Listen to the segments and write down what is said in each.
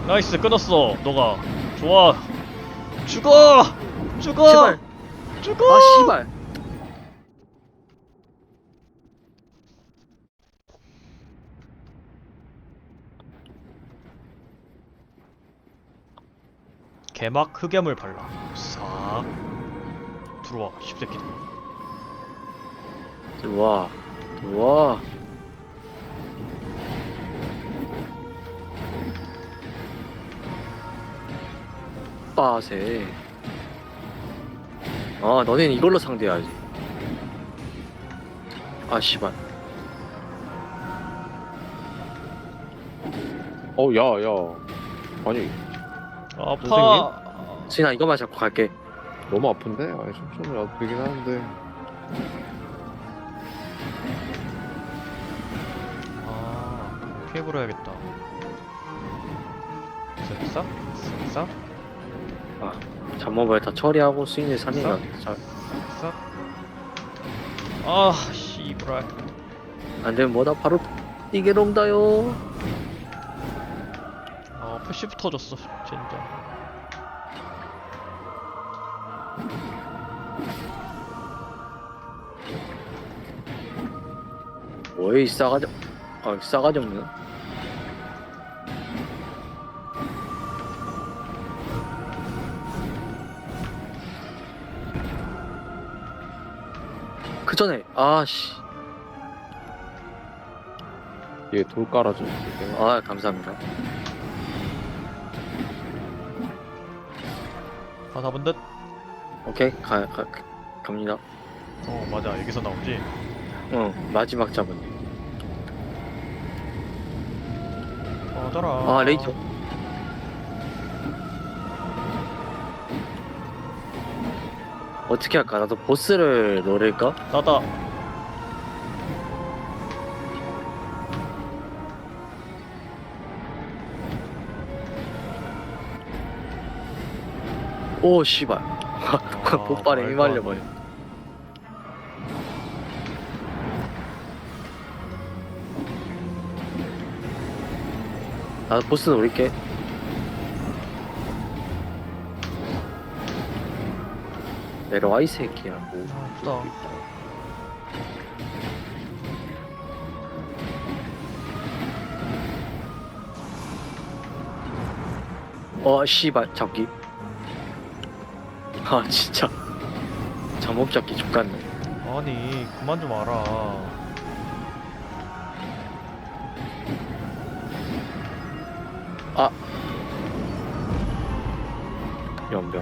나이스, 끊었어. 너가 좋아. 죽어. 죽어. 제발. 죽어. 아 씨발. 개막 흑염을 발라. 싹 들어와, 십새끼들. 들어와. 들어와. 빠세. 아 너넨 이걸로 상대해야지. 아 씨발. 야, 야. 아니, 아파. 수인아 이거만 잡고 갈게. 너무 아픈데? 아니, 천천히 와도 되긴 하는데. 아, 피해 불어야겠다. 쓱싹 쓱싹 잡모발 다 처리하고 수인을 살리면 잘. 쓱싹. 아, 씨부랄. 안되면 뭐다 바로 뛰게롱다요. 아, 패시브 터졌어 진짜. 뭐야 이 싸가지. 아 싸가지 없네. 그 전에 아씨. 얘 돌 깔아줘. 아 감사합니다. 다 잡은 듯? 오케이 갑니다. 어, 맞아, 여기서 나오지. 응 마지막 잡은. 꺼져라. 아 레이저. 어떻게 할까? 나도 보스를 노릴까? 나다. 오 씨발. 아, 폭발에 말도 안 휘말려버려. 돼. 나도 보스 노릴게. 내려와 이 새끼야. 뭐. 아, 아프다. 씨발 잡기. 아 진짜 잠못 잡기 족같네. 아니, 그만 좀 알아. 아 연병.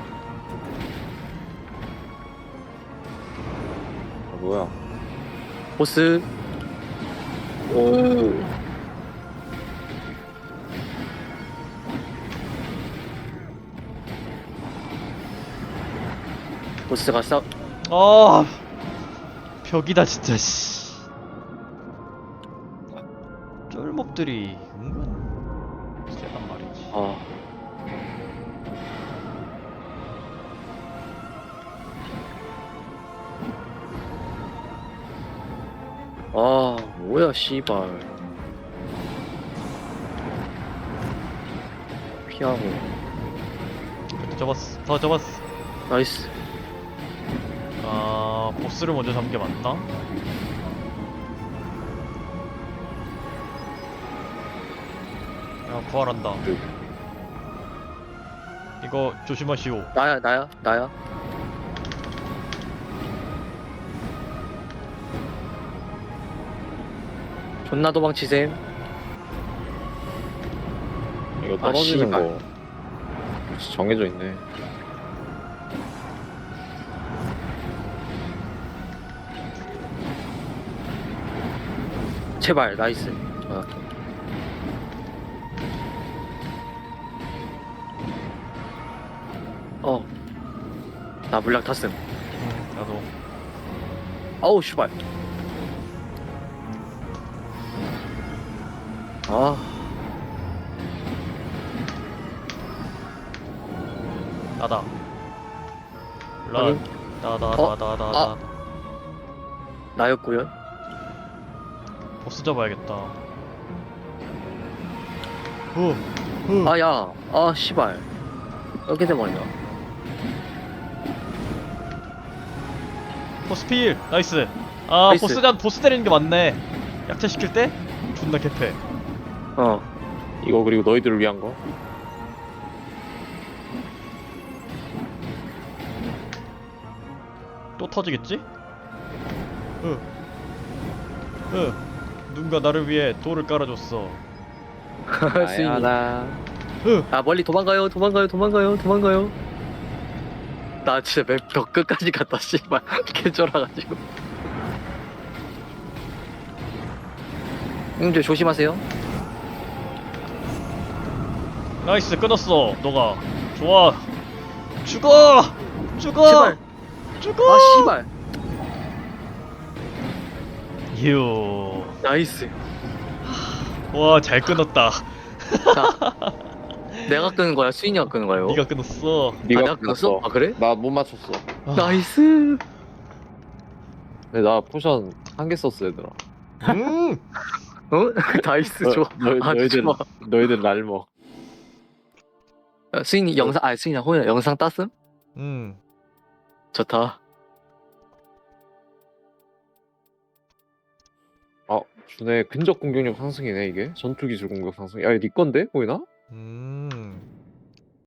뭐야. 보스. 오. 보스가 싸. 아, 벽이다 진짜. 씨. 쫄목들이 은근 세단 말이지. 아. 아 뭐야 씨발. 피하고. 접었어. 더 접었어. 나이스. 아, 보스를 먼저 잡는 게 맞나? 야, 부활한다. 이거 조심하시오. 나야. 존나 도망치셈. 이거 떨어지는 씨발. 거. 역시 정해져 있네. 제발 나이스. 나 물량 탔음. 나도. 아우 씨발. 아 나다. 란. 확인. 나다. 나였구요. 보스 잡아야겠다. 후. 아, 야. 아, 씨발. 이렇게 돼버린다. 포스필 나이스. 아 나이스. 보스 때리는 게 맞네. 약탈시킬 때 존나 개패. 어. 이거 그리고 너희들을 위한 거. 또 터지겠지? 누군가 나를 위해 돌을 깔아줬어. 스윙이. 나야라. 아, 멀리 도망가요. 도망가요. 도망가요. 도망가요. 나 진짜 맵 벽 끝까지 갔다, 씨발. 개쫄아가지고. 형님들 조심하세요. 나이스 끊었어. 너가 좋아. 죽어. 죽어. 제발. 죽어. 아, 씨발. 휴. 나이스. 와 잘 끊었다. 자, 내가 끄는 거야? 수인이가 끄는 거예요? 네가 끊었어. 아, 네가 내가 끊었어? 아, 그래? 나 못 맞췄어. 아, 나이스. 근데 나 포션 한 개 썼어 얘들아. 어? 나이스, 좋아. 아주 너희들 좋아. 너희들 날 먹. 수인이 영상, 아, 수인이 호연 영상 땄음? 좋다. 준의 근접 공격력 상승이네 이게. 전투 기술 공격 상승. 야, 이거 네 건데 보이나?